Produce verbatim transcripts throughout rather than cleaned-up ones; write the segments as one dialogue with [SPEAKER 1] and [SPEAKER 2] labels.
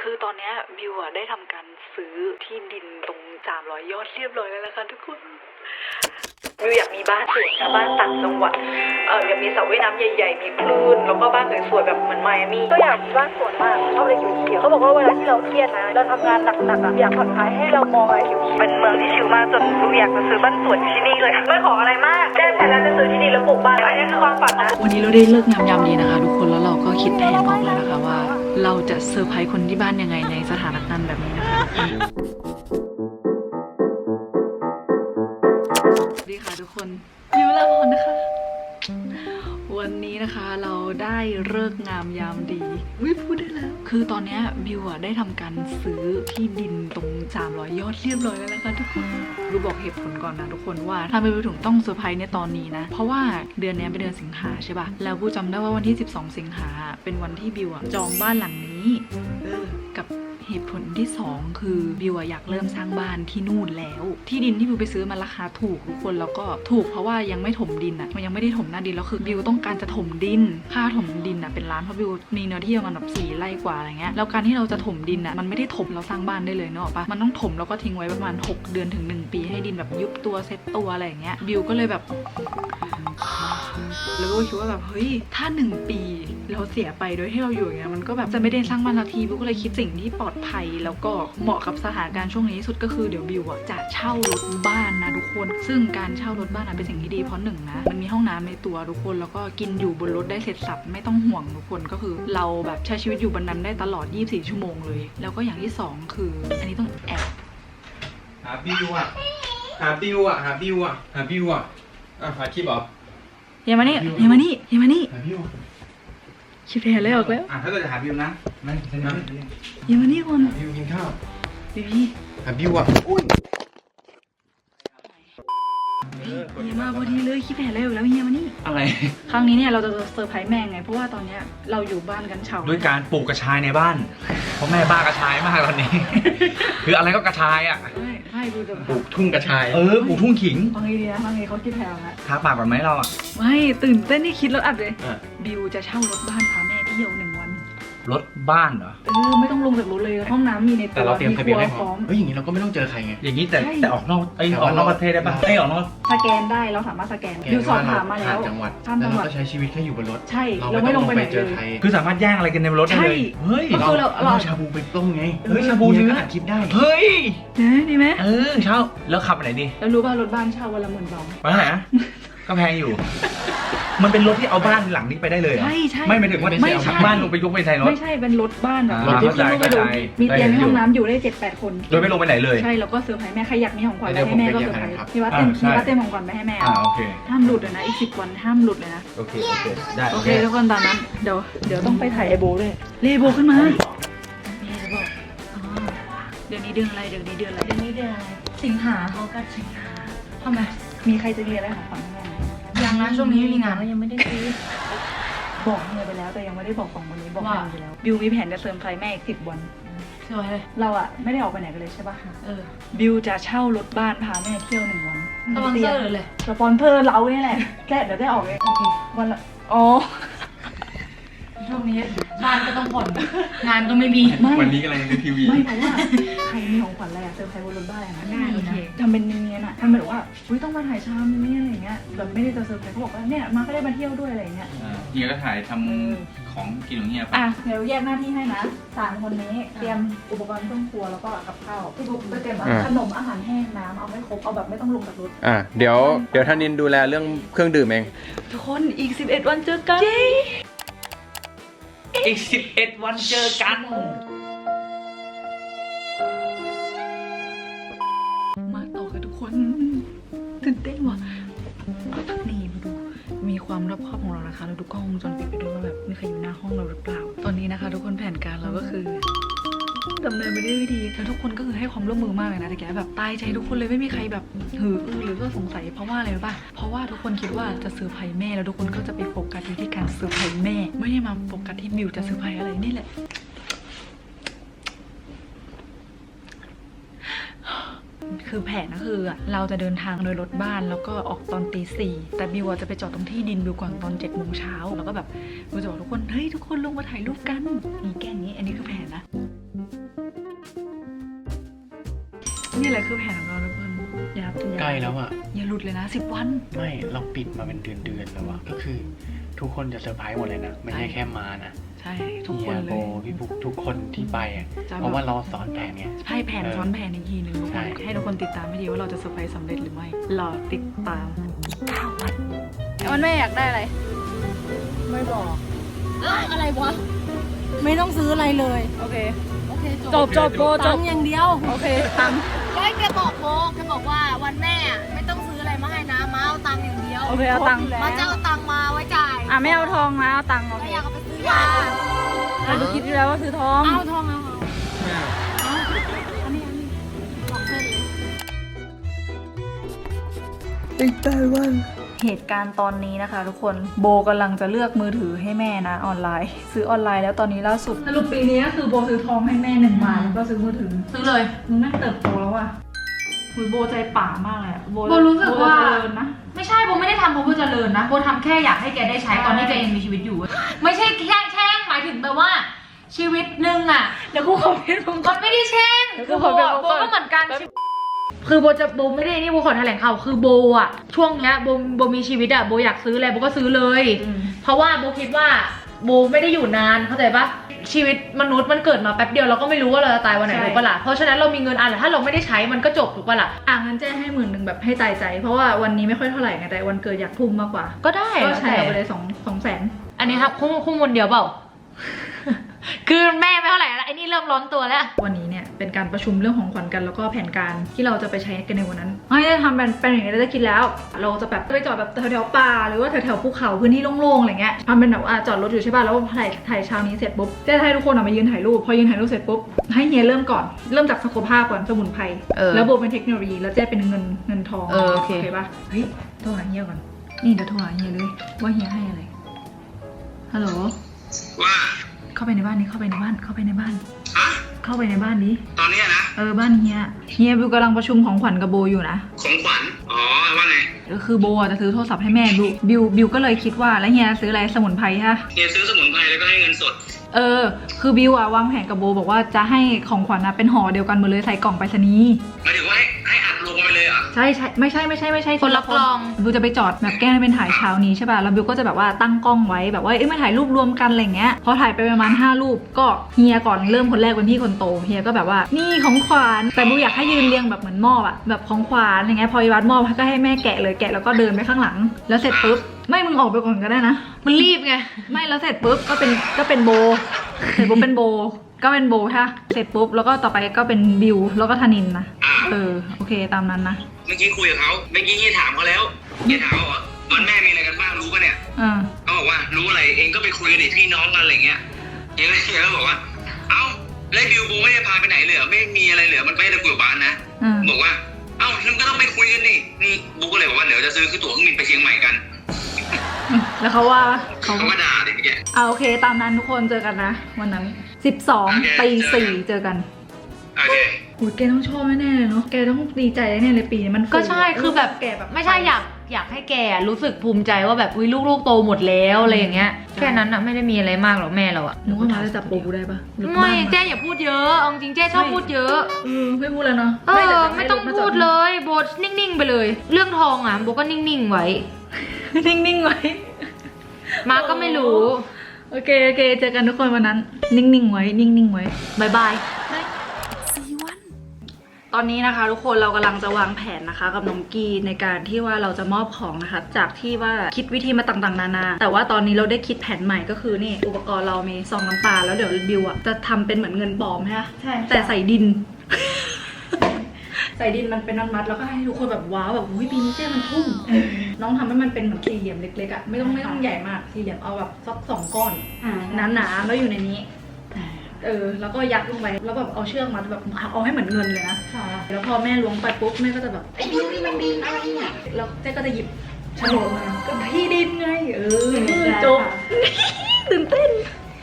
[SPEAKER 1] คือตอนนี้บิวอะได้ทำการซื้อที่ดินตรงสามร้อยยอดเรียบร้อยแล้วนะคะทุกคนบิวอยากมีบ้านสวยนะบ้านต่างจังหวัดเอออยากมีสระว่ายน้ำใหญ่ๆมีคลื่นแล้วก็บ้านสวยๆแบบเหมือนไมอามี่ก็อยากมีบ้านสวยมากชอบอะไรเขียวๆเขาบอกว่าเวลาที่เราเครียดนะเราทำงานหนักๆอะอยากผ่อนคลายให้เรามองอะไรเขียวๆเป็นเมืองที่ชิลมากจนบิวอยากจะซื้อบ้านสวยที่นี่เลยไม่ขออะไรมากแจ้งไปแล้วจะซื้อที่ดินแล้วปลูกบ้านอันนี้คือความฝันนะวันนี้เราได้เลิกงามยามดีนะคะทุกคนแล้วเราก็คิดแผนออกแล้วนะคะว่าเราจะเซอร์ไพรส์คนที่บ้านยังไงในสถานการณ์แบบนี้นะคะสวัสดีค่ะทุกคนบิวลาพรนะคะวันนี้นะคะเราได้เลิกงามยามดีวิพูดได้แล้วคือตอนนี้บิวอะได้ทำการซื้อที่ดินตรงสามร้อยยอดเรียบร้อยแล้วนะคะทุกคนบิวบอกเหตุผลก่อนนะทุกคนว่าทำไมบิวถึงต้องเซอร์ไพรส์ในตอนนี้นะเพราะว่าเดือนนี้เป็นเดือนสิงหาใช่ป่ะแล้วบิวจำได้ว่าวันที่สิบสองสิงหาเป็นวันที่บิวอะจองบ้านหลังนี้เออกับเหตุผลที่สองคือบิวอยากเริ่มสร้างบ้านที่นู่นแล้วที่ดินที่บิวไปซื้อมันราคาถูกทุกคนแล้วก็ถูกเพราะว่ายังไม่ถมดินอ่ะมันยังไม่ได้ถมหน้าดินแล้วคือบิวต้องการจะถมดินค่าถมดินอ่ะเป็นล้านเพราะบิวมีเนื้อที่ประมาณแบบสี่ไร่กว่าอะไรเงี้ยแล้วการที่เราจะถมดินอ่ะมันไม่ได้ถมเราสร้างบ้านได้เลยเนอะปะมันต้องถมแล้วก็ทิ้งไว้ประมาณหกเดือนถึงหนึ่งปีให้ดินแบบยุบตัวเซ็ตตัวอะไรอย่างเงี้ยบิวก็เลยแบบแล้วก็คิดว่าแบบเฮ้ยถ้าหนึ่งปีเราเสียไปโดยที่เราอยู่อย่างเงี้ยมันก็แบบจะไม่ได้สร้างบ้านนาทีบิวก็เลยคิดสิ่งที่ปลอดภัยแล้วก็เหมาะกับสถานการณ์ช่วงนี้สุดก็คือเดี๋ยวบิวอ่ะจะเช่ารถบ้านนะทุกคนซึ่งการเช่ารถบ้านเป็นสิ่งที่ดีเพราะหนึ่งนะมันมีห้องน้ำในตัวทุกคนแล้วก็กินอยู่บนรถได้เสร็จสับไม่ต้องห่วงทุกคนก็คือเราแบบใช้ชีวิตอยู่บนนั้นได้ตลอดยี่สิบสี่ชั่วโมงเลยแล้วก็อย่างที่สองคืออันนี้ต้องแอบ
[SPEAKER 2] หาบิวอ่ะหาบิวอ่ะหาบิวอ่ะหาบิวอ่ะอ่ะหาคลิปเหรอ
[SPEAKER 1] เฮียมานี่เฮียมานี่เฮียมานี่
[SPEAKER 2] หาบิว
[SPEAKER 1] คิดแผนเลยออกแล้ว
[SPEAKER 2] อ่ะถ้าเกิดจะหาบิวนะนั่นฉันนะ
[SPEAKER 1] เฮียมานี่คน
[SPEAKER 2] หาบิวกินข้าว
[SPEAKER 1] บีบี
[SPEAKER 2] หาบิวอ่ะอุ้ย
[SPEAKER 1] เฮียมาพอดีเลยคิดแผนเลยออกแล้วเฮียมานี่
[SPEAKER 2] อะไร
[SPEAKER 1] ครั้งนี้เนี่ยเราจะเซอร์ไพรส์แม่ไงเพราะว่าตอนเนี้ยเราอยู่บ้านกันเฉา
[SPEAKER 2] ด้วยการปลูกกระชายในบ้านเพราะแม่บ้ากระชายมากตอนนี้คืออะไรก็กระชายอ่ะ
[SPEAKER 1] ไม่ไม่ดูจะ
[SPEAKER 2] ปลูกทุ่งกระชายเออปลูกทุ่งขิง
[SPEAKER 1] บางทีนะบางทีเขาคิดแผนแล้ว
[SPEAKER 2] ทาปากแบบไหมเราอ่ะ
[SPEAKER 1] ไม่ตื่นเต้นที่คิดแล้วอัดเลยบิวจะเช่ารถบ้านพาแม่เที่ยวหนึ่งวัน
[SPEAKER 2] รถบ้านเหรอ
[SPEAKER 1] เออไม่ต้องลงจากรถเลยห้องน้ำมีในตัว
[SPEAKER 2] แต่เราเตรียมทะเบียนให้พร้อมเฮ้ยอย่างนี้เราก็ไม่ต้องเจอใครไงอย่างนี้แต่แต่ออกนอกไอออกนอกประเทศได้ปะไอออกนอก
[SPEAKER 1] สแกนได้เราสามารถสแกนบิวสอบถามมาแล้ว
[SPEAKER 2] จังหวัดแล้วเราก็ใช้ชีวิตแค่อยู่บนรถ
[SPEAKER 1] ใช่เราไม่ลงไปเจอใคร
[SPEAKER 2] คือสามารถแย่งอะไรกันในรถได้เลยเฮ้ย
[SPEAKER 1] เรา
[SPEAKER 2] เราชาบูไปต้มไงเฮ้ยชาบูเนื้อก็อัดคลิปได้เฮ้ย
[SPEAKER 1] ดีไหม
[SPEAKER 2] เออเช่าแล้วขับไปไหนดี
[SPEAKER 1] แล้วรู้ป่ะรถบ้านเช่าวันละหมื่นสอง
[SPEAKER 2] ไปไหนก็แพงอยู่มันเป็นรถที่เอาบ้านหลังนี้ไปได้เลย
[SPEAKER 1] ใช่ใช่
[SPEAKER 2] ไม่หมายถึงว่าไม่ใช่บ้านลงไปยกไปใส่รถ
[SPEAKER 1] ไม่ใช่เป็นรถบ้านแบบ
[SPEAKER 2] รถที่
[SPEAKER 1] ลงไปดูมีเตียงในห้องน้ำอยู่ได้เจ็ดแปดคน
[SPEAKER 2] โดยไม่ลงไปไหนเลย
[SPEAKER 1] ใช่แล้วก็เซอร์ไพรส์แม่ใครอยากมีของขวัญอะไรให้แม่ก็เซอร์ไพรส์พี่ว่าเต็มพี่ว่าเต็มของขวัญไปให้แม่
[SPEAKER 2] อ่าโอเค
[SPEAKER 1] ห้ามหลุดเลยนะอีกสิบวันห้ามหลุดเลยนะ
[SPEAKER 2] โอเคโอเคได้
[SPEAKER 1] โอเคทุกคนตอนนั้นเดี๋ยวเดี๋ยวต้องไปถ่ายไอโบด้วยเลโบขึ้นมามีจะบอกเดือนนี้เดือนอะไรเดือนนี้เดือนอะไรเดือนนี้เดือนอะไรสิงหาเขาก็สิงหาทำไมมีใครจะเรียนอะไรของขวัญแม่ยังนะช่วงนี้มีงานแล้วยังไม่ได้ซื้อบอกเมียไปแล้วแต่ยังไม่ได้บอกของวันนี้บอกเมียไปแล้วบิวมีแผนจะเสริมไฟแม่อีกสิบวันใช่ไหมเราอะไม่ได้ออกไปไหนกันเลยใช่ป่ะเออบิวจะเช่ารถบ้านพาแม่เที่ยวหนึ่งวันสปอนเซอร์เลยสปอนเซอร์เราเนี่ยแหละแค่เดี๋ยวได้ออกเองโอเควันละอ๋อช่วงนี้บ้านก็ต้องผ่อนงานก็ไม่มี
[SPEAKER 2] วันนี้กำลังดูทีวี
[SPEAKER 1] ไม่เพราะว่าใครมีของขวัญอะไรอะเซอร์ไพรส์บนรถบ้านอะไรนะโอเคทำเป็นเนียนๆอะทำเป็นแบบว่าอุ้ยต้องมาถ่ายชามนี่อะไรเงี้ยแบบไม่ได้จะเซอร์ไพรส์เขาบอกว่าเนี่ยมาก็ได้มาเที่ยวด้วยอะไรเงี้ย
[SPEAKER 2] เฮียก็ถ่ายทำของกินของเฮีย
[SPEAKER 1] อ่ะเดี๋ยวแยกหน้าที่ให้นะสามคนนี้เตรียมอุปกรณ์เครื่องครัวแล้วก็กับข้าวพี่บุ๊กไปเตรียมขนมอาหารแห้งน้ำเอาให้ครบเอาแบบไม่ต้องลงจากรถ
[SPEAKER 3] อ่ะเดี๋ยวเดี๋ยวท่านินดูแลเรื่องเครื่องดื่มเอง
[SPEAKER 1] ทุกคนอีกสิบเอ็ดวันเจอกัน
[SPEAKER 2] อีกสิบเอ็ดวันเจอกัน
[SPEAKER 1] มาต่อกันทุกคนตื่นเต้นว่ะนี่มาดูมีความรอบคอบของเรานะคะเราดูกล้องวงจรปิดไปด้วยว่าแบบมีใครอยู่หน้าห้องเราหรือเปล่าตอนนี้นะคะทุกคนแผนการเราก็คือดำเนินไปด้วยวิธีแล้วทุกคนก็คือให้ความร่วมมือมากเลยนะแต่แกแบบตายใจทุกคนเลยไม่มีใครแบบหือหรือก็สงสัยเพราะว่าอะไรรู้ป่ะเพราะว่าทุกคนคิดว่าจะเซอร์ไพรส์แม่แล้วทุกคนก็จะไปโฟกัสที่การเซอร์ไพรส์แม่ไม่ได้มาโฟกัสที่บิวจะเซอร์ไพรส์อะไรนี่แหละคือแผนก็คือเราจะเดินทางโดยรถบ้านแล้วก็ออกตอนตีสี่แต่บิวจะไปจอดตรงที่ดินบิวก่อนตอนเจ็ดโมงเช้าแล้วก็แบบบิวจะบอกทุกคนเฮ้ยทุกคนลงมาถ่ายรูปกันนี่แกล้งนี้อันนี้คือแผนนะนี่แหละคือแผนของเราทุกคนอย่าอย่า
[SPEAKER 4] ใกล้แล้วอ่ะ
[SPEAKER 1] อย่าหลุดเลยนะสิบวัน
[SPEAKER 4] ไม่เราปิดมาเป็นเดือนเดือนๆแล้วอ่ะก็คือทุกคนจะเซอร์ไพรส์หมดเลยนะไม่ใช่แค่มานะ
[SPEAKER 1] ใช่ทุก
[SPEAKER 4] เฮี
[SPEAKER 1] คน
[SPEAKER 4] ย
[SPEAKER 1] เล
[SPEAKER 4] โบ
[SPEAKER 1] ย
[SPEAKER 4] พี่บุ๊กทุกคนที่ไปอ่ะ
[SPEAKER 1] จะแบบ
[SPEAKER 4] เพราะว่าเราสอนแผนไง
[SPEAKER 1] ให้แผนซ้อนแผนอีกทีหนึ่งทุกค
[SPEAKER 4] ใช่
[SPEAKER 1] นให้ทุกคนติดตามให้ดีว่าเราจะเซอร์ไพรส์สำเร็จหรือไม่รอติดตามเก้าวันวันแม่อยากได้อะไร
[SPEAKER 5] ไม่บอกอะไรวะ ไม่ต้องซื้ออะไรเลย
[SPEAKER 1] โอเค
[SPEAKER 5] โอเค
[SPEAKER 1] จบจบโบจ
[SPEAKER 5] ตั
[SPEAKER 1] บ
[SPEAKER 5] งค์อย่างเดียว
[SPEAKER 1] โอเคตังค์
[SPEAKER 5] ก็แกบอกโบแกบอกว่าวันแม่อะไม่ต้องซื้ออะไรมาให้นะมาเอาตังค์อย่างเดียว
[SPEAKER 1] โอเคเอาตังค์
[SPEAKER 5] มาจะเอาตังค์มาไว้จ่าย
[SPEAKER 1] อ่ะไม่เอาทองนะเอาตังค์โอ
[SPEAKER 5] แล้ว
[SPEAKER 1] เค
[SPEAKER 5] อยากเอาไปซื้อยา
[SPEAKER 1] เราดูคิดอยู่แล้วว่าซื้อทอง
[SPEAKER 5] เอาทองเอาเอาอันนี้อันนี้สองเส้นเลย
[SPEAKER 1] เหตุการณ์ตอนนี้นะคะทุกคนโบกำลังจะเลือกมือถือให้แม่นะออนไลน์ ซื้อออนไลน์แล้วตอนนี้ล่าสุดสรุปปีนี้ก็คือโบซื้อทองให้แม่หนึ่งบาทแล้วก็ซื้อมือถือซื้อเลยมึงแม่งเติบโตแล้วอ่ะหุยโบใจป่ามากเลยอะ
[SPEAKER 6] โบรู้สึกว่า
[SPEAKER 1] โบจะเจริญนะ
[SPEAKER 6] ไม่ใช่โบไม่ได้ทำเพราะโบเจริญนะโบทำแค่อยากให้แกได้ใช้ตอนที่แกยังมีชีวิตอยู่ ไม่ใช่แค่แช่งหมายถึงแบบว่า ชีวิตหนึ่งอ่ะ
[SPEAKER 1] แล้วกูขอเป็นมึง
[SPEAKER 6] มันไม่ได้แช่ง
[SPEAKER 1] แล้ว
[SPEAKER 6] คือ
[SPEAKER 1] ก็
[SPEAKER 6] โบ
[SPEAKER 1] ขอเป็น
[SPEAKER 6] อะ
[SPEAKER 1] ของ
[SPEAKER 6] โบ
[SPEAKER 1] ก่อน
[SPEAKER 6] ก็เหมือนกัน คือโบจะโบไม่ได้นี่โบขอแถลงข่าวคือโบอ่ะช่วงเนี้ยโบโบมีชีวิตอ่ะโบอยากซื้ออะไรโบก็ซื้อเลย
[SPEAKER 1] อืม
[SPEAKER 6] เพราะว่าโบคิดว่าโบไม่ได้อยู่นานเข้าใจปะชีวิตมนุษย์มันเกิดมาแป๊บเดียวเราก็ไม่รู้ว่าเราจะตายวันไหนถูกปะล่ะเพราะฉะนั้นเรามีเงินอ่ะถ้าเราไม่ได้ใช้มันก็จบถูกปะล่ะ
[SPEAKER 1] อ่ะงั้นแจ้ให้หมื่นหนึ่งแบบให้ตายใจ เพราะว่าวันนี้ไม่ค่อยเท่าไหร่ไงแต่วันเกิดอยากทุ่มมากกว่า
[SPEAKER 6] ก็ได้
[SPEAKER 1] ก็
[SPEAKER 6] แล้ว
[SPEAKER 1] ใช้
[SPEAKER 6] แต่
[SPEAKER 1] ไปเลยสองสองแสน
[SPEAKER 6] อันนี้ครับคู่คู่มนเดียวเปล่า คือแม่ไม่เท่าไหร่แล้วไอ้นี่เริ่มร้อนตัวแล้ว
[SPEAKER 1] วันนี้เนี่ยเป็นการประชุมเรื่องของขวัญกันแล้วก็แผนการที่เราจะไปใช้กันในวันนั้นไม่ได้ทำเป็นเป็นอย่างนี้เราจะคิดแล้ว เราจะแบบไปจอดแบบแถวๆป่าหรือว่าแถวๆภูเขาพื้นที่โล่งๆอะไรเงี้ยทำเป็นแบบว่าจอดรถอยู่ใช่ป่ะแล้วถ่ายถ่ายเช้านี้เสร็จปุ๊บจะให้ทุกคนออกมายืนถ่ายรูปพอยืนถ่ายรูปเสร็จปุ๊บให้เฮียเริ่มก่อนเริ่มจากสุขภาพก่อนสมุนไพร
[SPEAKER 6] เออ
[SPEAKER 1] แล้วโบเป็นเทคโนโลยีแล้วเจ๊เป็นเงินเงินทอง
[SPEAKER 6] เออโอเค
[SPEAKER 1] ป่ะเฮ้ยโทรหาเฮียก่อนนี่เดี๋ยวโทรหาเฮียเลยว่าเฮียให้อะไรฮัลโหล
[SPEAKER 7] ว่า
[SPEAKER 1] เข้าไปในบ้านนี้เข้าไปในบ้านเข้าไปในบ้าน
[SPEAKER 7] อะ
[SPEAKER 1] เข้าไปในบ้านนี้
[SPEAKER 7] ตอนเนี้ยนะ
[SPEAKER 1] เออบ้านเฮียเฮียบิวกำลังประชุมของขวัญกับโบอยู่นะ
[SPEAKER 7] ของขวัญ อ๋อ ว่าไง
[SPEAKER 1] ก็คือโบอ่ะจะซื้อโทรศัพท์ให้แม่บิวบิวบิวก็เลยคิดว่าแล้วเฮียซื้ออะไรสมุนไพรฮะ
[SPEAKER 7] เฮียซื้อสมุนไพรแล้วก็ให้เงินสด
[SPEAKER 1] เออคือบิวอ่ะวางแผนกับโบบอกว่าจะให้ของขวัญนะเป็นห่อเดียวกันหมดเลยใส่กล่องไปรษณีย์
[SPEAKER 7] หมายถึงว่าให้ให้อัดลงไปเลยเหรอ
[SPEAKER 1] ใช่ใช่ไม่ใช่ไม่ใช่ไม่ใช่
[SPEAKER 6] คนละกล่อง
[SPEAKER 1] บิวจะไปจอดแบบแกล้งเป็นถ่ายเช้านี้ใช่ป่ะแล้วบิวก็จะแบบว่าตั้งกล้องไว้แบบว่าเอ้ยมาถ่ายรูปรวมกันอะไรเงี้ยพอถ่ายไปประมาณห้ารูปก็เฮียก่อนเริ่มคนแรกเป็นพี่คนโตเฮียก็แบบว่านี่ของขวัญแต่บิวอยากให้ยืนเรียงแบบเหมือนมอบอะแบบของขวัญอย่างเงี้ยพออีวัดมอบก็ให้แม่แกะเลยแกะแล้วก็เดินไปข้างหลัง แล้วเสร็จปุ๊บไม่มึงออกไปก่อนก็ได้นะ
[SPEAKER 6] มันรีบไง
[SPEAKER 1] ไม่แล้วเสร็จปุ๊บก็เป็นก็เป็นโบเสร็จปุ๊บเป็นโบก็เป็นโบค่ะเสร็จปุ๊บแล้วก็ต่อไปก็เป็นบิวแล้วก็ธนินนะ
[SPEAKER 7] อ่า
[SPEAKER 1] เออโอเคตามนั้นนะ
[SPEAKER 7] เมื่อกี้คุยกับเขาเมื่อกี้เฮียถามเขาแล้วเฮียถามเขาว่าวันแม่มีอะไรกันบ้างรู้ปะเนี่ย
[SPEAKER 1] อ่า
[SPEAKER 7] เขาบอกว่ารู้อะไรเองก็ไปคุยกันดิพี่น้องกันอะไรเงี้ยเฮียก็เฮียก็บอกว่า เอ้าแล้วบิวโบไม่ได้พาไปไหนเลยเหรอไม่มีอะไรเหลือมันไปแต่คุยกับบ้านนะ
[SPEAKER 1] อ่า
[SPEAKER 7] บอกว่า เอ้านั่นก็ต้องไปคุยกันนี่นี่บุ๊กก็เลยบอกว่าเดี๋ยวจะซื้อคือตั๋วเครื่องบินไปเชียงใหม่กัน
[SPEAKER 1] แล้วเขาว่าเขา
[SPEAKER 7] เขาก็ด่าเด็กเมื่อกี้
[SPEAKER 1] อ่าโอเคตามนั้นทุกคนเจอกันนะวันนั้นสิบสอง
[SPEAKER 7] โอเค
[SPEAKER 1] ตีสี่เจอกัน
[SPEAKER 7] โอเค
[SPEAKER 1] โอ้ยแกต้องชอบแน่ๆเลยเนาะแกต้องดีใจแน่ๆเลยปีนี้มัน
[SPEAKER 6] ก็ใช่คือแบบ
[SPEAKER 1] แกแบบ
[SPEAKER 6] ไม่ใช่อยากอยากให้แกรู้สึกภูมิใจว่าแบบอุ้ยลูกๆโตหมดแล้วอะไรอย่างเงี้ยแค่นั้นอะไม่ได้มีอะไรมากหรอกแม่เราอะ
[SPEAKER 1] หนูว่ามาจะจับโบกูได้ปะหรือ
[SPEAKER 6] ไม่
[SPEAKER 1] บ้าน
[SPEAKER 6] เจ๊อย่าพูดเยอะเอาจริงเจ๊ชอบพูดเยอะ
[SPEAKER 1] เออไม่พูดแล้วเนาะ
[SPEAKER 6] เอ
[SPEAKER 1] แต่
[SPEAKER 6] อ
[SPEAKER 1] จะ
[SPEAKER 6] ไม่ต้อง
[SPEAKER 1] ให้รถาจ
[SPEAKER 6] พูดเลยโบนิ่งๆไปเลย เรื่องทองอะโบก็นิ่งๆไว้
[SPEAKER 1] นิ่งๆไว้
[SPEAKER 6] มาก็ไม่รู้
[SPEAKER 1] โอเคโอเคเจอกันทุกคนวันนั้น นิ่งๆไว้ นิ่งๆไว้
[SPEAKER 6] บายบาย
[SPEAKER 1] ตอนนี้นะคะทุกคนเรากำลังจะวางแผนนะคะกับน้องกีในการที่ว่าเราจะมอบของนะคะ จากที่ว่าคิดวิธีมาต่างๆนานาแต่ว่าตอนนี้เราได้คิดแผนใหม่ก็คือนี่อุปกรณ์เรามีซองน้ำตาลแล้วเดี๋ยวบิวอะจะทำเป็นเหมือนเงินปลอมใช่ไหมใช่แต่ใส่ดิน ใส่ดินมันเป็นมัดๆแล้วก็ให้ทุกคนแบบว้าวแบบอุ้ยปีนี้เจ๊มันทุ่มน้องทำให้มันเป็นเหมือนสี่เหลี่ยมเล็กๆอะไม่ต้องไม่ต้องใหญ่มากสี่เหลี่ยมเอาแบบสักสองก้อนหนาๆแล้วอยู่ในนี้ เออแล้วก็ยัดลงไปแล้วแบบเอาเชือกมาแบบเอาให้เหมือนเงินเลยนะแล้วพอแม่ล้วงไปปุ๊บแม่ก็จะแบบไอ้ดินนี่มันดินอะไรเนี่ยแล้วเจ๊ก็จะหยิบโฉนดมาก็ที่ดินไงเออจบ ตื่นเต้น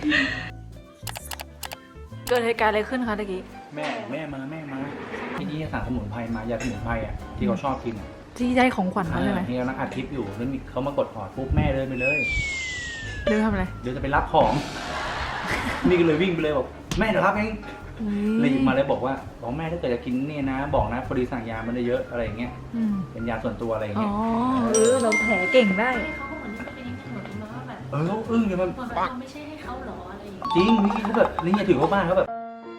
[SPEAKER 1] เกิดเหตุการณ์อะไรขึ้นคะตะกี้
[SPEAKER 4] แม่แม่มาแม่มาที่นี่สั่งสมุนไพรมายาสมุนไพรอ่ะที่เขาชอบกินอ่ะ
[SPEAKER 1] ที่ได้ของขวัญเขาใช่ไหม
[SPEAKER 4] ที่กำลังอัดคลิปอยู่แล้วมีเขามากดออดปุ๊บแม่เดินไปเลย
[SPEAKER 1] เดินทำอะไร
[SPEAKER 4] เดี๋ยวจะไปรับของ นี่ก็เลยวิ่งไปเลยบอกแม่เดี๋ยวรับเอง
[SPEAKER 8] เลยหยิบมาแล้วบอกว่าบอกแม่ถ้าเกิดจะกินเนี่ยนะ บอกนะพอดีสั่งยามันได้เยอะอะไรอย่างเงี้ย
[SPEAKER 1] อืม
[SPEAKER 8] เป็นยาส่วนตัวอะไรอย่าง
[SPEAKER 1] อ๋อ
[SPEAKER 8] เงี้ย
[SPEAKER 1] เออเราแผลเก่งได้
[SPEAKER 5] เขาเหมือนเป็นยังไงเหมือนว่าแบบ
[SPEAKER 8] เออเขาอึ้งเลยมัน
[SPEAKER 5] เหมือนแบบเราไม่ใช่ให้เขาหรออะไรอย่างเงี้ย
[SPEAKER 8] จริงนี่เขาแบบนี่ถือเข้าบ้านเขาแบบ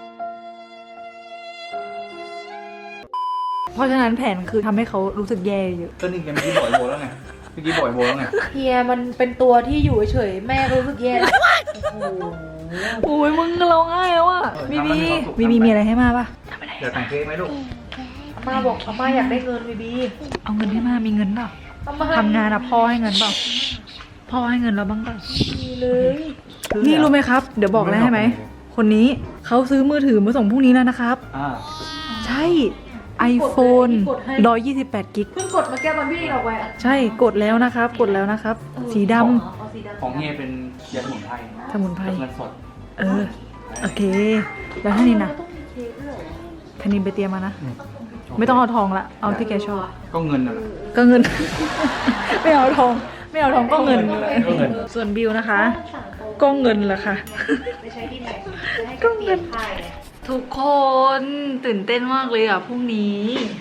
[SPEAKER 1] เพราะฉะนั้นแผนคือทำให้เขารู้สึกแย่เยอะ
[SPEAKER 8] ก็นี่แกเมื่อกี้บอกไอ้โบแล้วไงเมื่อกี้บอกไอ้โบแล้วไง
[SPEAKER 6] เฮียมันเป็นตัวที่อยู่เฉยๆแม่รู้สึกแย่แล้วโอ้โห
[SPEAKER 1] โอ้ยมึงร้องไห้แล้วอ่ะบีบีบีบีมีอะไรให้มาปะ
[SPEAKER 8] เดี๋ยวแต่งเค้กไหมลูก
[SPEAKER 6] อาม่าบอกอาม่าอยากได้เงินบีบี
[SPEAKER 1] เอาเงินให้มามีเงินเปล่า
[SPEAKER 6] อาม่า
[SPEAKER 1] ทำงานอะพ่อให้เงินเปล่าพ่อให้เงินเราบ้างเปล่า
[SPEAKER 6] มีเลย
[SPEAKER 1] นี่รู้ไหมครับ เดี๋ยวบอกแล้วให้ไหม คนนี้เขาซื้อมือถือมาส่งพรุ่งนี้แล้วนะครับ
[SPEAKER 8] อ่า
[SPEAKER 1] ใช่ iPhone หนึ่งร้อยยี่สิบแปดกิก
[SPEAKER 6] เพิ่งกดมาแก้ตอนพี่ออกไปอะ
[SPEAKER 1] ใช่กดแล้วนะครับ กดแล้วนะครับ สีดำ
[SPEAKER 6] เอาสีดำ
[SPEAKER 8] ของเฮียเป็นยาสมุนไพร
[SPEAKER 1] สมุนไพร
[SPEAKER 8] เงินสด
[SPEAKER 1] เออ โอเค แล้วท่านี้นะ
[SPEAKER 6] ต้องมีเค้กด้วยเหรอ
[SPEAKER 1] ท่านี้ไปเตรียมมานะ ไม่ต้องเอาทองละ เอาที่แกชอบ
[SPEAKER 8] ก็เงินน่ะแหละ
[SPEAKER 1] ก็เงิน ไม่เอาทอง ไม่เอาทองก็เงิน
[SPEAKER 8] ก็เงิน
[SPEAKER 1] ส่วนบิวนะคะ ก็เงินแหละค่ะ
[SPEAKER 6] ไม่ใช่ที่ไหนจะให้
[SPEAKER 1] ก็เงิน
[SPEAKER 6] ค่ายเลย
[SPEAKER 1] ทุกคนตื่นเต้นมากเลยอ่ะพรุ่งนี้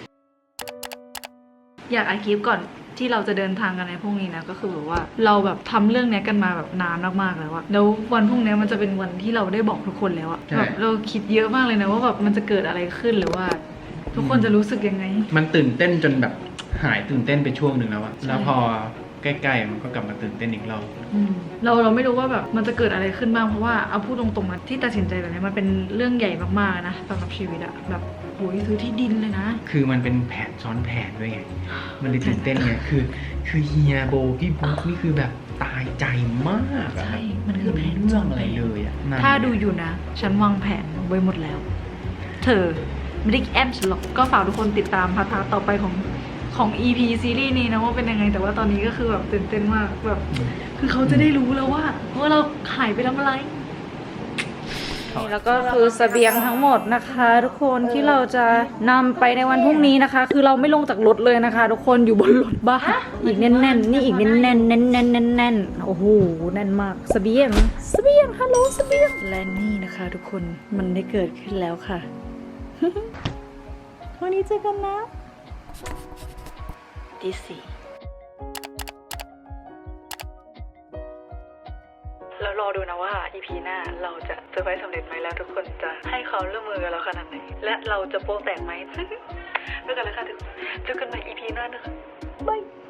[SPEAKER 1] อยากอัดคลิปก่อนที่เราจะเดินทางกันในพรุ่งนี้นะก็คือแบบว่าเราแบบทำเรื่องเนี้ยกันมาแบบนานมากๆแล้วอะแล้ววันพรุ่งนี้มันจะเป็นวันที่เราได้บอกทุกคนแล้วอะ
[SPEAKER 3] ใช่
[SPEAKER 1] แบบเราคิดเยอะมากเลยนะว่าแบบมันจะเกิดอะไรขึ้นหรือว่า ทุกคนจะรู้สึกยังไง
[SPEAKER 3] มันตื่นเต้นจนแบบหายตื่นเต้นไปช่วงหนึ่งแล้วอะแล้วพอใกล้ๆมันก็กลับมาตื่นเต้นอีกรอบ
[SPEAKER 1] อืมเราเราไม่รู้ว่าแบบมันจะเกิดอะไรขึ้นบ้างเพราะว่าเอาพูดตรงๆนะที่ตัดสินใจแบบนี้มันเป็นเรื่องใหญ่มากๆนะสำหรับชีวิตอะแบบโหยซื้อที่ดินเลยนะ
[SPEAKER 3] คือมันเป็นแผนซ้อนแผนด้วยไง มันเลยตื่นเต้นไง คือ คือเฮียโบพี่บุ๊กนี่คือแบบตายใจมากอะ
[SPEAKER 1] ใช่มันคือแผน
[SPEAKER 3] เรื่องอะไรเลยอะนั่น
[SPEAKER 1] ถ้าดูอยู่นะ ฉันวางแผนไว้หมดแล้ว เธอไม่ได้แอมฉันหรอกก็ฝากทุกคนติดตามพาร์ทต่อไปของของ อี พี ซีรีส์นี้นะว่าเป็นยังไงแต่ว่าตอนนี้ก็คือแบบตื่นเต้นมากแบบคือเขาจะได้รู้แล้วว่าว่าเราหายไปทำอะไรนี่แล้วก็คือเสบียงทั้งหมดนะคะ ทุกคนที่เราจะนำไปในวันพรุ่งนี้นะคะ คือเราไม่ลงจากรถเลยนะคะ ทุกคนอยู่บนรถบ้านอีกแน่นๆนี่อีกแน่นๆแน่นๆแน่นๆแน่นๆโอ้โหแน่นมากเสบียงเสบียงฮัลโหลเสบียงและนี่นะคะ ทุกคนมันได้เกิดขึ้นแล้วค่ะ วันนี้เจอกันนะที่สี่แล้วรอดูนะว่า อี พี หน้าเราจะเซอร์ไพรส์สำเร็จไหมแล้วทุกคนจะให้ความร่วมมือกับเราขนาดไหนและเราจะโป๊ะแตกไหม ด้วยกันแล้วค่ะทุกคนเจอกันใหม่ อี พี หน้านะคะบาย